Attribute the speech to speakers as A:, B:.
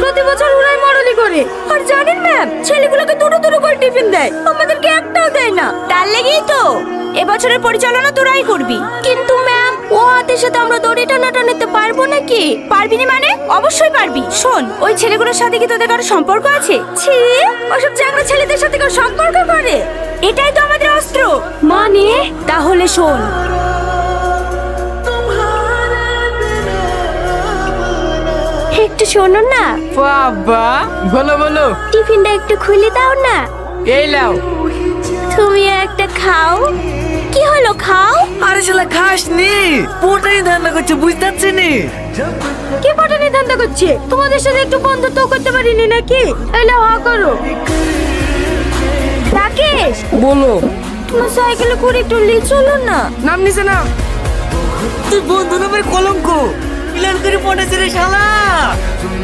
A: প্রতি বছর ওরাই মরলি করে। আর জানেন ম্যাম, ছেলেগুলোকে দুটো দুটো করে টিফিন দেয়, আমাদেরকে একটাও দেয় না। তার লেগেই তো এবছরের পরিচালনা তোরাই করবি। কিন্তু ম্যাম, ও হাতের সাথে আমরা দড়ি টানাটানিতে পারবো নাকি? পারবি না মানে? অবশ্যই পারবি। শোন, ওই ছেলেগুলোর সাথে কি তোদের কারো সম্পর্ক আছে? ছি, ওসব চ্যাংড়া ছেলেদের সাথে কারো সম্পর্ক করে? এটাই তো আমাদের অস্ত্র। মানে? তাহলে শোন, একটু শোনো না।
B: বাবা, বলো বলো।
A: টিফিনটা একটু খুলে দাও না।
B: এই লাও।
A: তুমি একটা খাও। কি হলো, খাও।
C: আরে শালা খাস নি, পোটাই ধান্দা করছে, বুঝতে পারছি নি।
A: কে পটানি ধান্দা করছে? তোমাদের সাথে একটু বন্ধুত্ব করতে পারিনি নাকি? এলে হা করো। রাকেশ,
B: বলো।
A: তোমার সাইকেলে করে একটু নিয়ে চলো না।
B: নাম নিছে না।
C: তুই বন্ধু নামের কলঙ্ক, প্ল্যান করে পড়েছে রে শালা।